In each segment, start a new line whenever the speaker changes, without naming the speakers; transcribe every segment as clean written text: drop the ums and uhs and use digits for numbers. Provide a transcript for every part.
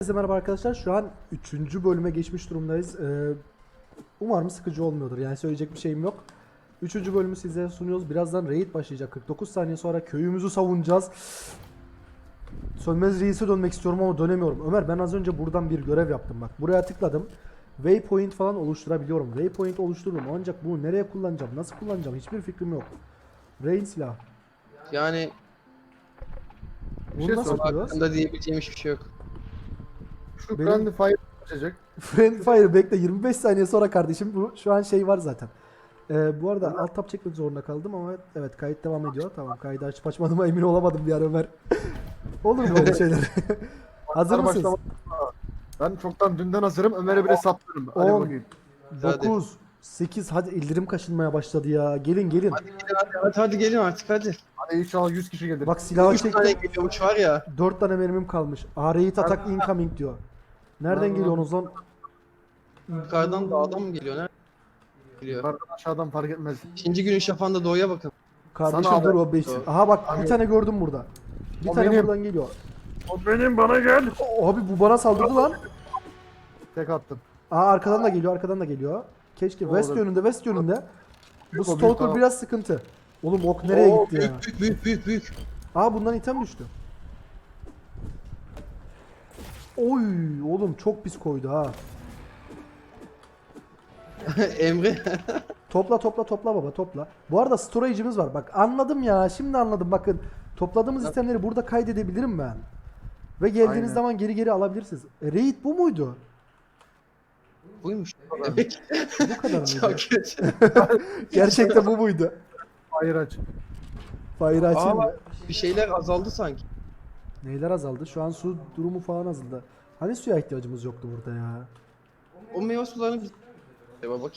Herkese merhaba arkadaşlar. Şu an 3. bölüme geçmiş durumdayız. Umarım sıkıcı olmuyordur. Yani söyleyecek bir şeyim yok. 3. bölümü size sunuyoruz. Birazdan raid başlayacak. 49 saniye sonra köyümüzü savunacağız. Sönmez reis'e dönmek istiyorum ama dönemiyorum. Ömer, ben az önce buradan bir görev yaptım bak. Buraya tıkladım. Waypoint falan oluşturabiliyorum. Waypoint oluşturdum. Ancak bunu nereye kullanacağım? Nasıl kullanacağım? Hiçbir fikrim yok. Raid silah.
Yani
Bunu
şey
nasıl
sor,
yapıyoruz?
hakkında diyebileceğim hiçbir şey yok.
Şu
Benim-
Friendly Fire açacak.
Friend Fire bekle, 25 saniye sonra kardeşim, bu şu an şey var zaten. Bu arada alt tab çekmek zorunda kaldım ama evet, kayıt devam ediyor. Tamam, kaydı açıp açmadığıma emin olamadım bir ara Ömer. Olur mu böyle şeyler? Hazır
Maçlar
mısınız?
başlamadan- Ben çoktan dünden hazırım. Ömer'e bile saplarım. Hadi
10,
bakayım.
9, 8, hadi ellerim kaşınmaya başladı ya. Gelin gelin.
Hadi gelin hadi gelin artık hadi.
Hadi inşallah 100 kişi gelir.
Bak, silahı
3 tane
çektim.
geliyormuş var ya.
4 tane mermim kalmış. Raid attack incoming diyor. Nereden
Lan,
geliyorsunuz lan?
Yukarıdan dağdan mı geliyor? Nereden geliyor?
Yukarıdan aşağıdan fark etmez.
İkinci günün şafağında doğuya bakın.
Kardeşim
Sana
dur,
abi.
o 5. Aha bak, bir tane gördüm burada. Bir
O
tane
benim.
buradan geliyor.
O benim, bana gel.
Abi bu bana saldırdı lan.
Tek attım.
Arkadan da geliyor, arkadan da geliyor. Keşke
Doğru.
west yönünde, west yönünde. Bu
Büyük o, büyük
stalker
o.
biraz sıkıntı. Oğlum ok nereye
Oo,
gitti ya?
büyük.
Bundan item düştü. Oy oğlum, çok pis koydu ha.
Emre.
Topla baba, topla. Bu arada storage'imiz var. Bak, anladım ya. Şimdi anladım. Bakın, topladığımız itemleri burada kaydedebilirim ben. Ve geldiğiniz
Aynen.
zaman geri alabilirsiniz. Raid bu muydu?
Buymuş. Demek
Bu kadar
çok
mıydı?
kötü.
Gerçekten bu muydu?
Fire aç.
Fire açayım mı?
Aa, bir şeyler azaldı sanki.
Neyler azaldı? Şu an su durumu falan azaldı. Hani suya ihtiyacımız yoktu burada ya.
O meyve sularını biz... Bak.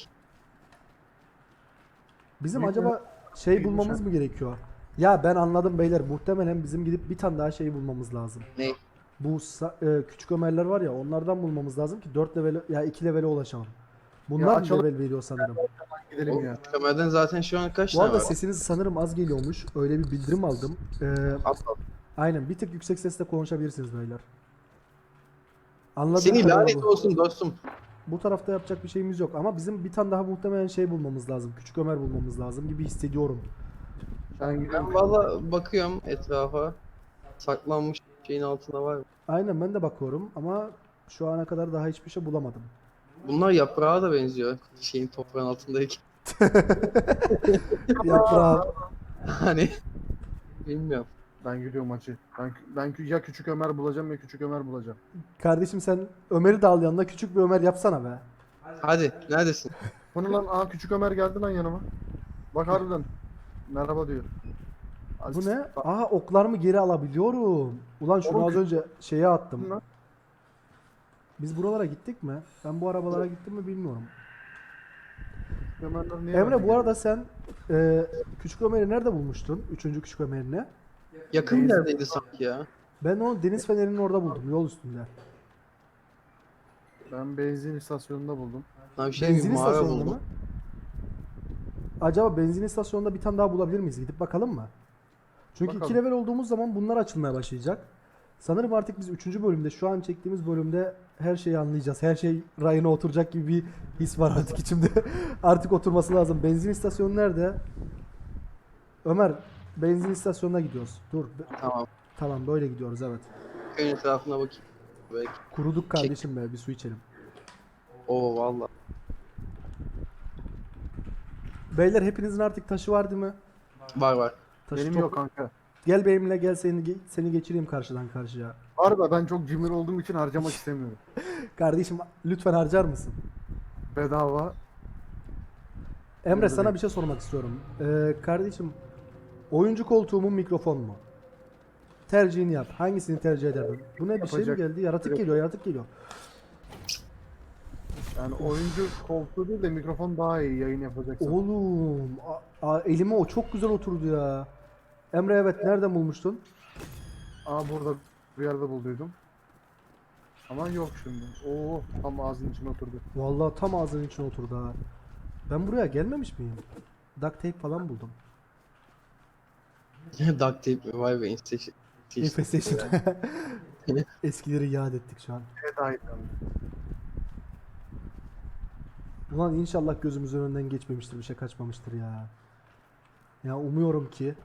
Bizim
Büyük
acaba şey bulmamız mı gerekiyor? Ya ben anladım beyler. Muhtemelen bizim gidip bir tane daha şey bulmamız lazım.
Ne?
Bu küçük Ömerler var ya, onlardan bulmamız lazım ki 4 level ya 2 levele ulaşalım. Bunlar
Ya
mı
açalım.
level veriyor sanırım.
Gidelim
O
ya.
kamerden zaten şu an kaç
Bu
tane
arada
var?
sesiniz sanırım az geliyormuş. Öyle bir bildirim aldım.
Atla.
Aynen, bir tık yüksek sesle konuşabilirsiniz beyler. Anladım.
Seni lanet olsun dostum.
Bu tarafta yapacak bir şeyimiz yok ama bizim bir tane daha muhtemelen şey bulmamız lazım. Küçük Ömer bulmamız lazım gibi hissediyorum.
Ben gidiyorum.
Ben valla bakıyorum etrafa. Saklanmış şeyin altında var mı?
Aynen, ben de bakıyorum ama şu ana kadar daha hiçbir şey bulamadım.
Bunlar yaprağa da benziyor. Şeyin toprağın altındaki.
Yaprağım.
Hani bilmiyorum.
Ben gidiyorum maçı. Ben ya küçük Ömer bulacağım ya küçük Ömer bulacağım.
Kardeşim, sen Ömer'i de al yanına, küçük bir Ömer yapsana be.
Hadi neredesin?
Bu ne lan? Aa, küçük Ömer geldi lan yanıma. Bak harbiden. Merhaba diyor.
Bu ne? Oklarımı geri alabiliyorum. Ulan şunu
Oğlum,
az önce şeye attım.
Lan.
Biz buralara gittik mi? Ben bu arabalara gittim mi bilmiyorum.
Ömerler niye
Emre,
bende
bu arada sen küçük Ömer'i nerede bulmuştun? Üçüncü küçük Ömer'ini.
Yakın bir yerdeydi sanki ya.
Ben onu deniz fenerinin orada buldum, yol üstünde.
geliyor? Ben benzin istasyonunda buldum.
Lan bir şey bir
Benzin
mağara
istasyonunda
buldum.
mı? Acaba benzin istasyonunda bir tane daha bulabilir miyiz? Gidip bakalım mı? Çünkü 2
Bakalım.
level olduğumuz zaman bunlar açılmaya başlayacak. Sanırım artık biz 3. bölümde, şu an çektiğimiz bölümde her şeyi anlayacağız. Her şey rayına oturacak gibi bir his var artık içimde. Artık oturması lazım. Benzin istasyonu nerede? Ömer, benzin istasyonuna gidiyoruz. Dur.
Tamam.
Tamam, böyle gidiyoruz, evet.
Köyün etrafına bakayım. Belki.
Kuruduk kardeşim be, bir su içelim.
Oo valla.
Beyler, hepinizin artık taşı var değil mi?
Var.
Taşı
Benim
top-
yok kanka.
Gel benimle, gel seni geçireyim karşıdan karşıya.
Var da ben çok cimri olduğum için harcamak istemiyorum.
Kardeşim, lütfen harcar mısın?
Bedava.
Emre,
Buyur
sana
bebeğim.
bir şey sormak istiyorum. Kardeşim, oyuncu koltuğu mu, mikrofon mu? Tercihini yap. Hangisini tercih ederdin? Bu ne, bir şey mi
Yapacak-
geldi? Yaratık
Yok.
geliyor, yaratık geliyor.
Yani oyuncu koltuğu değil de mikrofon daha iyi yayın yapacaksın.
Oğlum, elime o çok güzel oturdu ya. Emre, evet, nereden bulmuştun?
Burada bir yerde bulduydum. Ama yok şimdi. Oo, tam ağzının içine oturdu.
Vallahi tam ağzının içine oturdu ha. Ben buraya gelmemiş miyim? Duct tape falan buldum.
Duct tape vay be.
Infestation. Eskileri yad ettik şu an.
Evet aynen.
Ulan inşallah gözümüzün önünden geçmemiştir, bir şey kaçmamıştır ya. Ya umuyorum ki.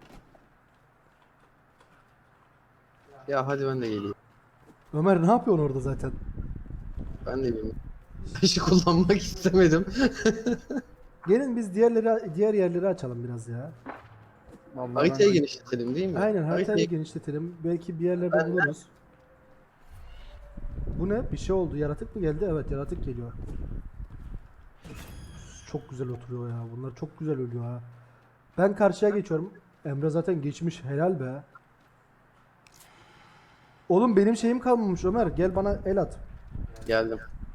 Ya hadi ben de geleyim.
Ömer ne yapıyorsun orada zaten?
Ben de geleyim. Taşı kullanmak istemedim.
Gelin biz diğer yerleri açalım biraz ya.
Vallahi
Haritayı
ben-
genişletelim değil mi?
Aynen haritayı
Haritayı
genişletelim. Belki bir yerlerde buluruz. Bu ne? Bir şey oldu. Yaratık mı geldi? Evet, yaratık geliyor. Çok güzel oturuyor ya. Bunlar çok güzel ölüyor ha. Ben karşıya geçiyorum. Emre zaten geçmiş. Helal be. Oğlum benim şeyim kalmamış Ömer. Gel bana el at.
geldim.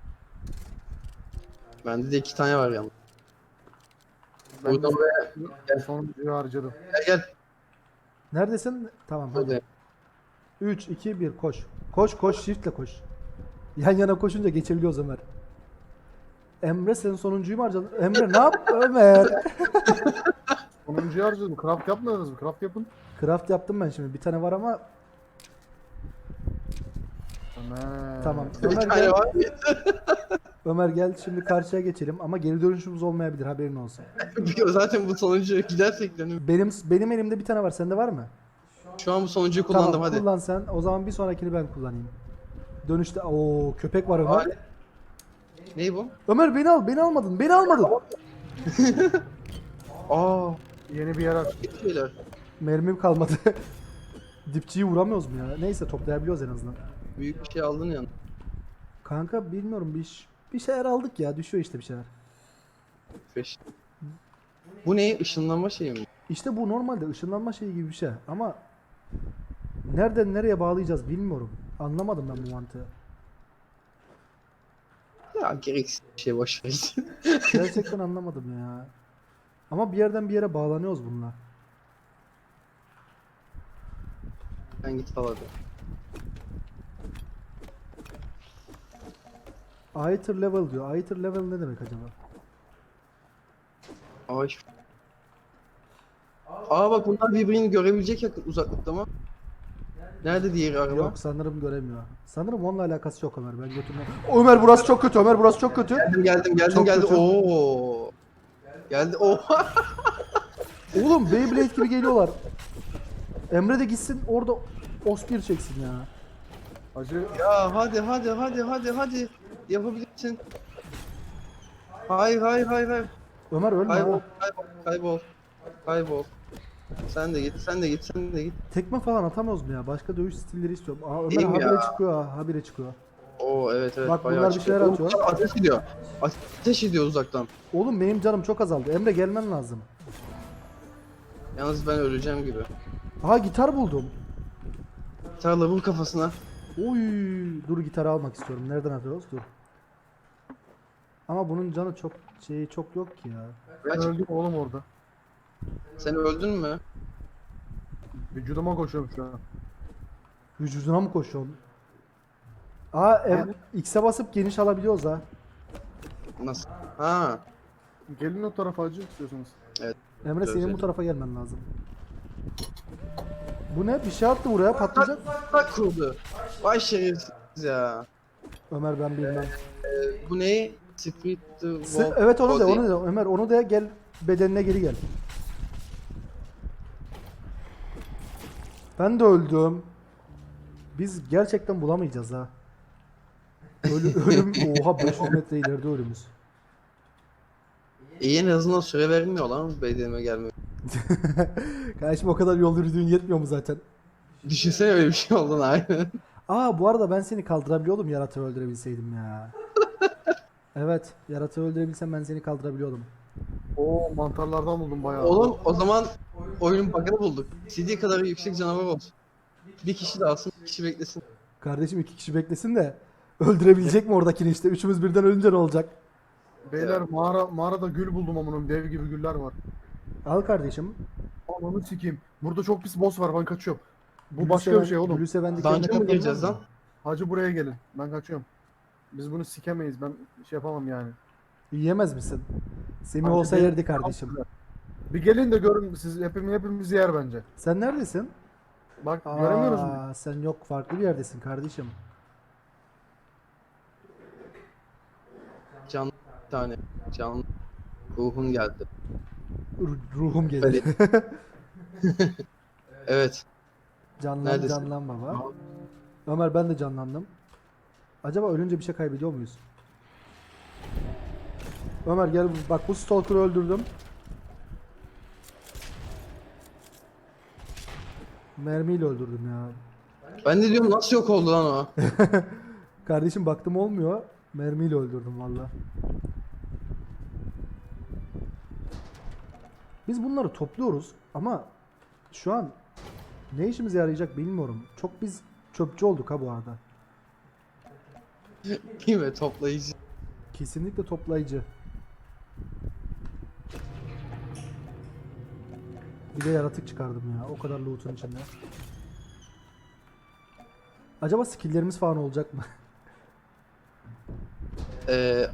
Bende de 2 tane var yalnız.
Ben de
Buradan buraya
sonuncuyu harcadım.
gel.
Neredesin? Tamam hadi.
Buradayım.
3, 2, 1 koş. Koş koş shiftle koş. Yan yana koşunca geçebiliyoruz Ömer. Emre sen sonuncuyu mu harcadın? Emre ne yap Ömer?
Sonuncuyu harcadım. Craft yapmadınız mı? Craft yapın.
Craft yaptım ben şimdi. Bir tane var ama
Ömer.
tamam.
Bir
Ömer
tane
gel.
var.
Ömer gel şimdi karşıya geçelim ama geri dönüşümüz olmayabilir, haberin olsun.
Zaten bu sonuncu gidersek dönüm.
Benim elimde bir tane var. Sende var mı?
Şu an bu sonuncuyu kullandım
Tamam,
hadi.
kullan sen. O zaman bir sonrakini ben kullanayım. Dönüşte o köpek var Ömer.
Hadi. Ney bu?
Ömer beni al, beni almadın. Beni almadın.
Aa,
Yeni bir yer aç.
bir şeyler.
Mermim kalmadı. Dipçiyi vuramıyoruz mu ya? Neyse toplayabiliyoruz en azından.
Büyük bir şey aldın ya.
Kanka bilmiyorum bir şeyler aldık ya. Düşüyor işte bir şeyler.
5. Bu ne? Işınlanma şeyi mi?
İşte bu normalde ışınlanma şeyi gibi bir şey ama nereden nereye bağlayacağız bilmiyorum. Anlamadım ben bu mantığı.
Ya gereksiz bir şey boş ver.
Gerçekten anlamadım ya. Ama bir yerden bir yere bağlanıyoruz bununla.
Sen git al hadi.
Aether level diyor. Aether level ne demek acaba?
Aa, Aa bak bunlar birbirini görebilecek uzaklıkta mı? Nerede diğeri araba?
Yok sanırım göremiyor. Sanırım onunla alakası yok Ömer. Ben götürmem. Ömer burası çok kötü. Ömer burası çok kötü.
Geldim
Çok kötü.
Oo. Geldi. Oha.
Oğlum Beyblade gibi geliyorlar. Emre de gitsin orada Ospir çeksin ya.
Hacı
Ya hadi. Yapabilirsin. Hayır.
Ömer ölme
Kaybol,
ha.
kaybol. Sen de git.
Tekme falan atamıyoruz mu ya? Başka dövüş stilleri istiyorum. Aa Ömer
Değil mi
habire
ya?
çıkıyor ha. Habire çıkıyor.
Oo evet
Bak
bayağı
bunlar bir
çıkıyor.
şeyler
Oğlum,
atıyor.
Ateş ediyor. Ateş ediyor uzaktan.
Oğlum benim canım çok azaldı. Emre gelmen lazım.
Yalnız ben öleceğim gibi.
Aha gitar buldum.
Tarla vur kafasına.
Oy, dur gitarı almak istiyorum. Nereden alıyoruz? Dur. Ama bunun canı çok yok ki ya.
ben
Kaç?
öldüm oğlum orada.
Sen öldün mü?
Vücuduma koşuyorum şu an.
Vücuduna mı koşuyorsun? Aa X'e basıp geniş alabiliyoruz ha.
Nasıl? Ha.
Gelin o tarafa hacı istiyorsanız.
Emre senin bu
Güzel.
tarafa gelmen lazım. Bu ne? Bir şey attı buraya patlayacak.
Bak kurdu. Vay şerefsiz ya.
Ömer ben bilmem.
Bu ne? Spirit the Wolf
Evet onu da
Body.
onu da Ömer onu da gel bedenine geri gel. Ben de öldüm. Biz gerçekten bulamayacağız ha. Ölüm oha 500 metre ileride ölümüz.
En azından süre vermiyorlar mı bedenime gelme?
Kardeşim o kadar yol yürüdüğün yetmiyor mu zaten?
Düşünsene öyle bir şey olduğunu aynen.
Aa bu arada ben seni kaldırabiliyordum yaratığı öldürebilseydim ya. Evet yaratığı öldürebilsem ben seni kaldırabiliyordum.
Oo mantarlardan buldum bayağı.
Oğlum o zaman oyunun bug'ını bulduk. CD kadar yüksek canavar olsun. Bir kişi de alsın, bir kişi beklesin.
Kardeşim 2 kişi beklesin de öldürebilecek mi oradakini işte? Üçümüz birden ölünce ne olacak?
Beyler mağarada gül buldum amunun dev gibi güller var.
Al kardeşim.
Ananı sikeyim. Burada çok pis boss var ben kaçıyorum. Bu
Gülü
başka
seven-
bir şey oğlum.
Gülü seven dikenine
Dungeon mı
katlanmaz
gireceğiz
mı?
lan?
Hacı buraya gelin. Ben kaçıyorum. Biz bunu sikemeyiz. Ben şey yapamam yani.
Yiyemez misin? Semih
Hacı
olsa
bir-
yerdi kardeşim.
Bir gelin de görün siz hepimiz yer bence.
Sen neredesin?
Bak göremiyoruz mu?
Sen yok, farklı bir yerdesin kardeşim.
Canlı bir tane. Canlı. Ruhun geldi.
Ruhum geldi.
Evet.
Canlan
Neredesin?
canlan baba. Ömer ben de canlandım. Acaba ölünce bir şey kaybediyor muyuz? Ömer gel bak, bu stalker'ı öldürdüm. Mermiyle öldürdüm ya.
Ben de diyorum nasıl yok oldu lan o?
Kardeşim baktım olmuyor. Mermiyle öldürdüm valla. Biz bunları topluyoruz ama şu an ne işimize yarayacak bilmiyorum. Çok biz çöpçü olduk ha bu arada.
Değil mi? Toplayıcı.
Kesinlikle toplayıcı. Bir de yaratık çıkardım ya. O kadar loot'un içinde. Acaba skill'lerimiz falan olacak mı?
Ee,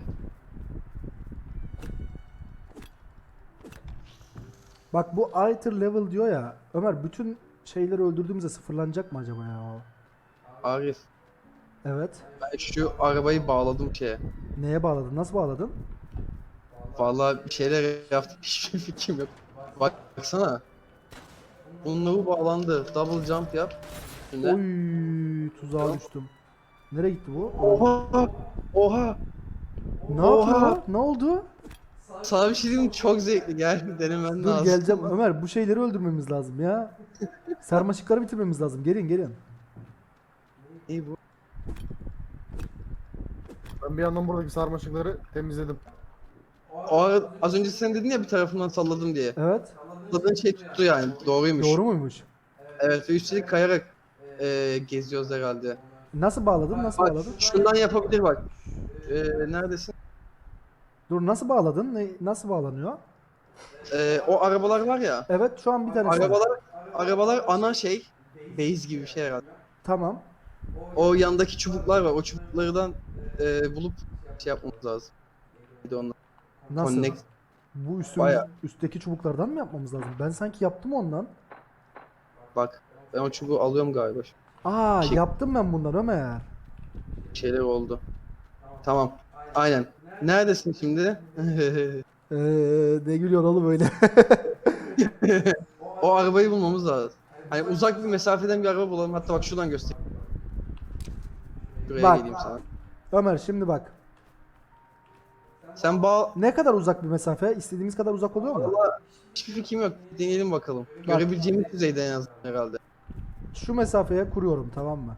Bak bu Aether level diyor ya. Ömer bütün şeyleri öldürdüğümüzde sıfırlanacak mı acaba ya?
Arif.
Evet.
Ben şu arabayı bağladım şeye.
Neye bağladın? Nasıl bağladın?
Vallahi bir şeyler yaptım. Hiçbir fikrim yok. Baksana. Bununla bu bağlandı. Double jump yap. Şimdi.
Oy, tuzağa düştüm. Nereye gitti bu?
Oha! Oha!
Ne
Oha!
yapıyor? Ne oldu?
Sana bir şey diyeyim mi? Çok zevkli. Gel denemen
Dur
lazım.
geleceğim. Ömer bu şeyleri öldürmemiz lazım ya. Sarmaşıkları bitirmemiz lazım. Gelin gelin.
İyi bu.
Ben bir yandan buradaki sarmaşıkları temizledim.
Az önce sen dedin ya bir tarafından salladım diye.
Evet.
Salladığın şey tuttu yani. Doğruymuş.
Doğru muymuş?
Evet ve üstelik kayarak geziyoruz herhalde.
Nasıl bağladın? Nasıl
Bak
bağladın?
şundan yapabilir bak. Neredesin?
Dur nasıl bağladın? Nasıl bağlanıyor?
O arabalar var ya.
Evet şu an bir tanesi.
Arabalar ana şey. Base gibi bir şey herhalde.
Tamam.
O yandaki çubuklar var. O çubuklardan bulup şey yapmamız lazım. Bir de onlar.
Nasıl?
Connect.
Bu
Bayağı.
üstteki çubuklardan mı yapmamız lazım? Ben sanki yaptım ondan.
Bak. Ben o çubuğu alıyorum galiba.
Aa
Şey-
yaptım ben bundan Ömer.
Bir şeyler oldu. Tamam. Aynen. Neredesin şimdi?
Ne gülüyorsun oğlum böyle?
O arabayı bulmamız lazım. Hani uzak bir mesafeden bir araba bulalım. Hatta bak şuradan göstereyim. Şuraya
Bak.
geleyim sana.
Ömer şimdi bak.
Sen bağ...
Ne kadar uzak bir mesafe? İstediğimiz kadar uzak oluyor mu?
Valla hiçbir fikrim yok. Deneyelim bakalım. Görebileceğimiz düzeyde en azından herhalde.
Şu mesafeye kuruyorum, tamam mı?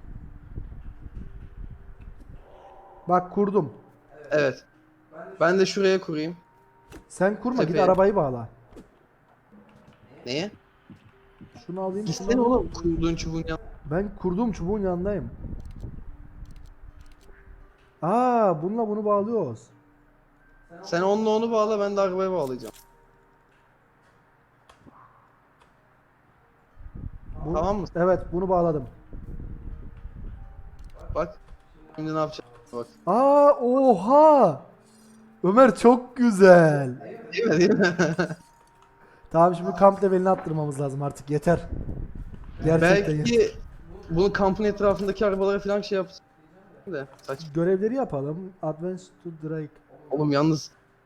Bak kurdum.
Evet. Ben de şuraya kurayım.
Sen kurma, git
Tepeye.
arabayı bağla.
Neye?
Şunu alayım.
Gitsene oğlum kurduğun çubuğun yanına.
Ben kurduğum çubuğun yanındayım. Aa, bununla bunu bağlıyoruz.
Sen onunla onu bağla, ben de arabaya bağlayacağım. Tamam mı?
Evet, bunu bağladım.
Bak. Şimdi ne yapacağız? Bak.
Aa, oha! Ömer çok güzel.
Değil mi? Değil mi?
Tamam, şimdi kamp levelini attırmamız lazım artık, yeter. Gerçekten yeter.
Belki bunu kampın etrafındaki arabalara falan şey yapsın. De saç.
Görevleri yapalım. Advance to Drake.
Oğlum yalnız.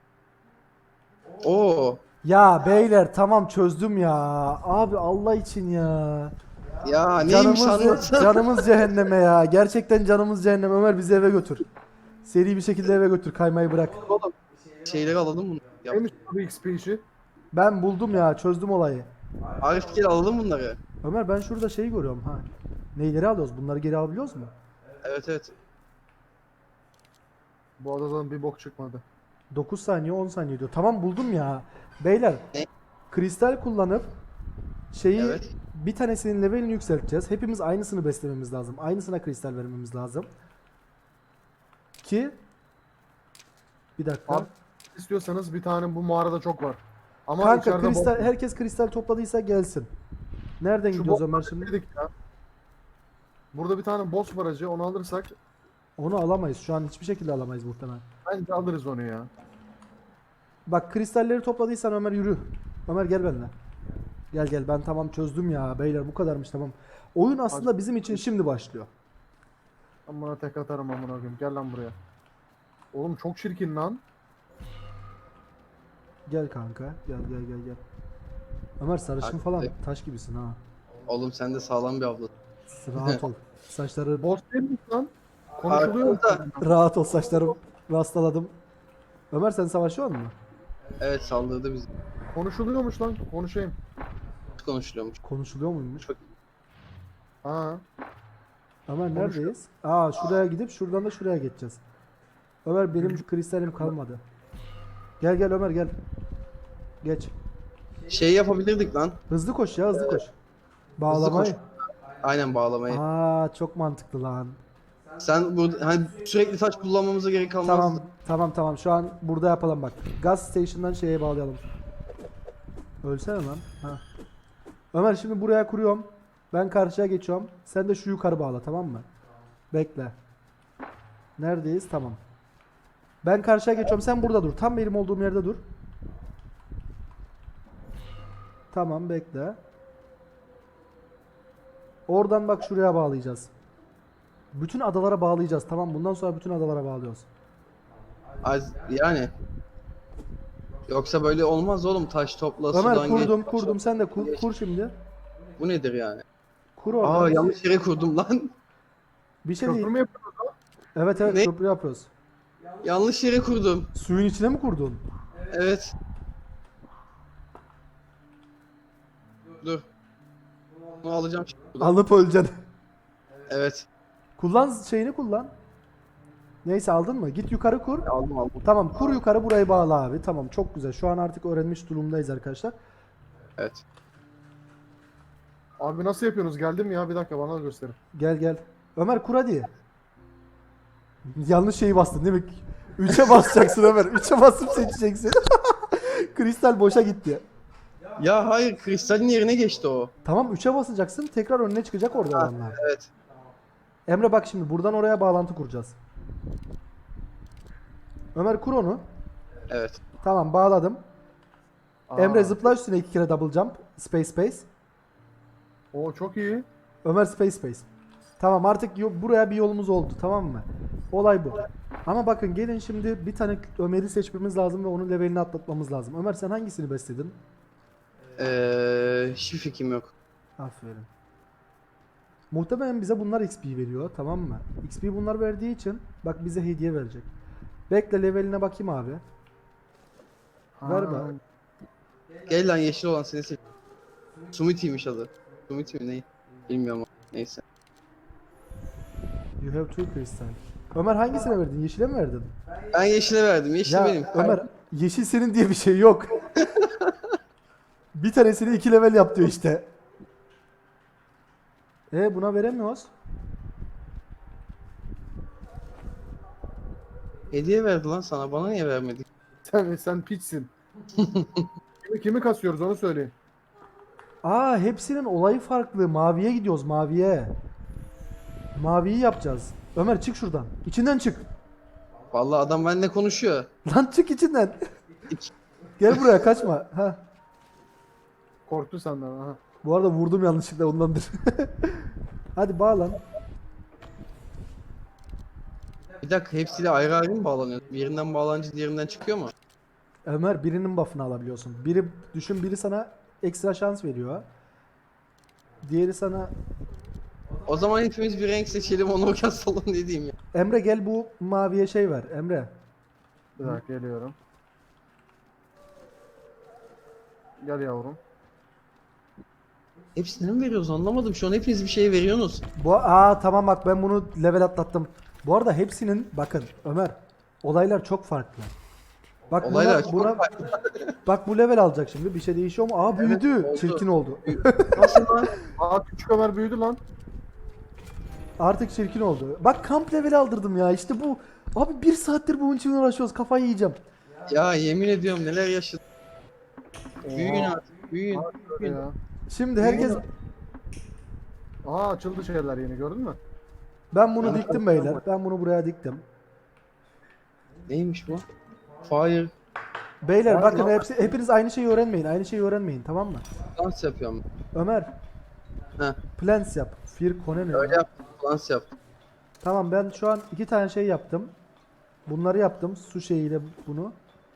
Oo.
Ya beyler tamam, çözdüm ya. Abi Allah için ya.
Ya neymiş anlatsana.
Canımız cehenneme ya. Gerçekten canımız cehenneme. Ömer bizi eve götür. Seri bir şekilde eve götür. Kaymayı bırak.
Oğlum şeyleri alalım bunu. Yap.
Neymiş bu XP işi?
Ben buldum ya. Çözdüm olayı.
Arif gel alalım bunları.
Ömer ben şurada şeyi görüyorum ha. Neyleri alıyoruz? Bunları geri alabiliyoruz mu?
Evet evet.
Bu adadan bir bok çıkmadı.
9 saniye 10 saniye diyor. Tamam buldum ya. Beyler.
Ne?
Kristal kullanıp şeyi
Evet.
bir tanesinin levelini yükselteceğiz. Hepimiz aynısını beslememiz lazım. Aynısına kristal vermemiz lazım. Ki bir dakika.
Abi, İstiyorsanız bir tane bu mağarada çok var. Ama
Kanka
içeride
kristal, herkes kristal topladıysa gelsin. Nereden
Şu
gidiyoruz
bok-
Ömer şimdi?
dedik ya. Burada bir tane boss var acı, onu alırsak
Onu alamayız. Şu an hiçbir şekilde alamayız muhtemelen.
bence alırız onu ya.
Bak kristalleri topladıysan Ömer yürü. Ömer gel benimle. Gel gel, ben tamam çözdüm ya beyler, bu kadarmış tamam. Oyun aslında bizim için şimdi başlıyor.
Ben buna tek atarım amına koyayım. Gel lan buraya. Oğlum çok çirkin lan.
Gel kanka. Gel gel gel gel. Ömer sarışın
Hadi.
falan taş gibisin ha.
Oğlum sen de sağlam bir abla.
Rahat ol. Saçları
Boss değil mi lan? Konuşuluyor.
Arkamda.
rahat ol, saçlarım rastladım. Ömer sen savaşıyor musun?
Evet saldırdı bizi.
Konuşuluyormuş lan. Konuşayım.
Konuşuluyormuş.
Konuşuluyor muymuş?
Ha.
Ömer
Konuşuyor.
neredeyiz? Aa şuraya gidip şuradan da şuraya geçeceğiz. Ömer benim kristalim kalmadı. Gel gel Ömer gel. Geç.
Şey yapabilirdik lan.
Hızlı koş ya hızlı koş. Bağlamayı.
Aynen bağlamayı.
Aa çok mantıklı lan.
Sen burada hani sürekli taş kullanmamıza gerek kalmaz.
Tamam şu an burada yapalım bak. Gaz station'dan şeye bağlayalım. Ölsene lan. Ha. Ömer şimdi buraya kuruyorum. Ben karşıya geçiyorum. Sen de şu yukarı bağla tamam mı? Bekle. Neredeyiz? Tamam. Ben karşıya geçiyorum. Sen burada dur. Tam benim olduğum yerde dur. Tamam bekle. Oradan bak şuraya bağlayacağız. Bütün adalara bağlayacağız. Tamam bundan sonra bütün adalara bağlıyoruz.
Yani. Yoksa böyle olmaz oğlum. Taş topla
Ömer
sudan
kurdum
geç.
kurdum. Sen de kur şimdi.
Bu nedir yani?
Kur orada.
Aa yanlış yere kurdum lan.
Bir şey değil.
Köprü mü yapıyoruz?
Evet
Ne?
köprü yapıyoruz.
Yanlış yere kurdum.
Suyun içine mi kurdun?
Evet. Dur. Bunu alacağım şimdi.
Alıp öleceksin.
Evet.
Kullan şeyini kullan. Neyse aldın mı? Git yukarı kur.
Aldım.
Tamam kur yukarı burayı bağla abi. Tamam çok güzel. Şu an artık öğrenmiş durumdayız arkadaşlar.
Evet.
Abi nasıl yapıyorsunuz? Geldim ya bir dakika bana da gösterin.
Gel gel. Ömer kur hadi. Yanlış şeyi bastın değil mi? 3'e basacaksın Ömer. 3'e basıp seçeceksin. Kristal boşa gitti.
Ya hayır kristalin yerine geçti o.
Tamam 3'e basacaksın. Tekrar önüne çıkacak orada adamlar.
Evet.
Emre bak şimdi buradan oraya bağlantı kuracağız. Ömer kur onu.
Evet.
Tamam bağladım.
Aa,
Emre zıpla üstüne 2 kere double jump. Space.
Oo çok iyi.
Ömer space. Tamam artık buraya bir yolumuz oldu tamam mı? Olay bu. Ama bakın gelin şimdi bir tane Ömer'i seçmemiz lazım ve onun levelini atlatmamız lazım. Ömer sen hangisini besledin?
Hiçbir fikrim yok.
Aferin. Muhtemelen bize bunlar XP veriyor tamam mı? XP bunlar verdiği için bak bize hediye verecek. Bekle leveline bakayım abi. Ver
Ha,
bak.
Gel lan yeşil olan seni seç. Sumiti'ymiş adı. Sumiti mi ne? Bilmiyorum ama neyse.
You have two crystal. Ömer hangisine verdin? Yeşile mi verdin?
Ben yeşile verdim. Yeşil
Ya
benim.
Ömer yeşil senin diye bir şey yok. Bir tanesini 2 level yap diyor işte. Buna veremiyoruz.
Hediye verdi lan sana. Bana niye vermedi?
sen piçsin. kimi kasıyoruz onu söyleyin.
Aa hepsinin olayı farklı. Maviye gidiyoruz maviye. Maviyi yapacağız. Ömer çık şuradan. İçinden çık.
Vallahi adam benimle konuşuyor.
Lan çık içinden. Gel buraya kaçma. Ha.
Korktu senden. Aha.
Bu arada vurdum yanlışlıkla ondandır. Hadi bağlan.
Bir dakika hepsiyle ayrı ayrı mı bağlanıyor? Birinden bağlanınca diğerinden çıkıyor mu?
Ömer birinin buff'ını alabiliyorsun. Biri sana ekstra şans veriyor. Diğeri sana
O zaman hepimiz bir renk seçelim onu kasalım ne diyeyim ya.
Emre gel bu maviye şey ver. Emre.
Bir dakika geliyorum. Gel yavrum.
Hepsine mi veriyoruz anlamadım. Şu an hepiniz bir şey veriyorsunuz.
Tamam bak ben bunu level atlattım. Bu arada hepsinin bakın Ömer olaylar çok farklı. Bak
Olaylar
buna bak bu level alacak şimdi bir şey değişiyor mu? Aa büyüdü.
oldu.
Çirkin oldu.
Nasıl lan?
Aa küçük Ömer büyüdü lan.
Artık çirkin oldu. Bak kamp level aldırdım ya. İşte bu. Abi 1 saattir bunun için uğraşıyoruz. Kafayı yiyeceğim.
Ya yemin ediyorum neler yaşadım. Büyüyün
Oha,
artık büyüyün.
öyle ya.
Şimdi herkes
Aa açıldı şeyler yeni gördün mü?
ben bunu diktim beyler. Ben bunu buraya diktim.
Neymiş bu? Fire
Beyler
Var
bakın
lan.
hepiniz aynı şeyi öğrenmeyin. Aynı şeyi öğrenmeyin tamam mı?
dans yapıyorum.
Ömer
Heh.
Plans yap. Firkone ne
Öyle
ya?
yaptım. Plans yaptım.
Tamam ben şu an 2 tane şey yaptım. Bunları yaptım. Su şeyiyle bunu.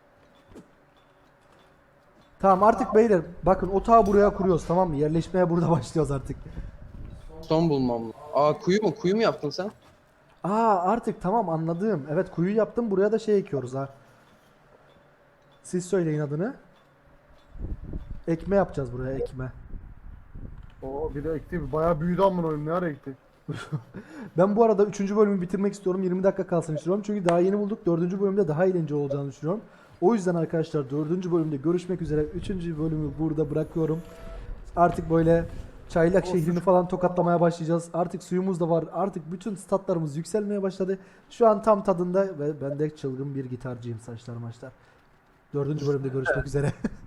Tamam artık beyler bakın otağı buraya kuruyoruz tamam mı? Yerleşmeye burada başlıyoruz artık.
Son bulmam. Aa kuyu mu? Kuyu mu yaptın sen?
Aa artık tamam anladım. Evet kuyu yaptım buraya da şey ekiyoruz ha. Siz söyleyin adını. Ekme yapacağız buraya ekme.
Oo bir de ekti. Bayağı büyüdü amına koyayım. Ne ara ekti?
Ben bu arada 3. bölümü bitirmek istiyorum. 20 dakika kalsın istiyorum. Çünkü daha yeni bulduk. 4. bölümde daha eğlenceli olacağını düşünüyorum. O yüzden arkadaşlar 4. bölümde görüşmek üzere. 3. bölümü burada bırakıyorum. Artık böyle Çaylak şehrini falan tokatlamaya başlayacağız. Artık suyumuz da var. Artık bütün statlarımız yükselmeye başladı. Şu an tam tadında ve ben de çılgın bir gitarcıyım saçlar maçlar. 4. bölümde görüşmek üzere.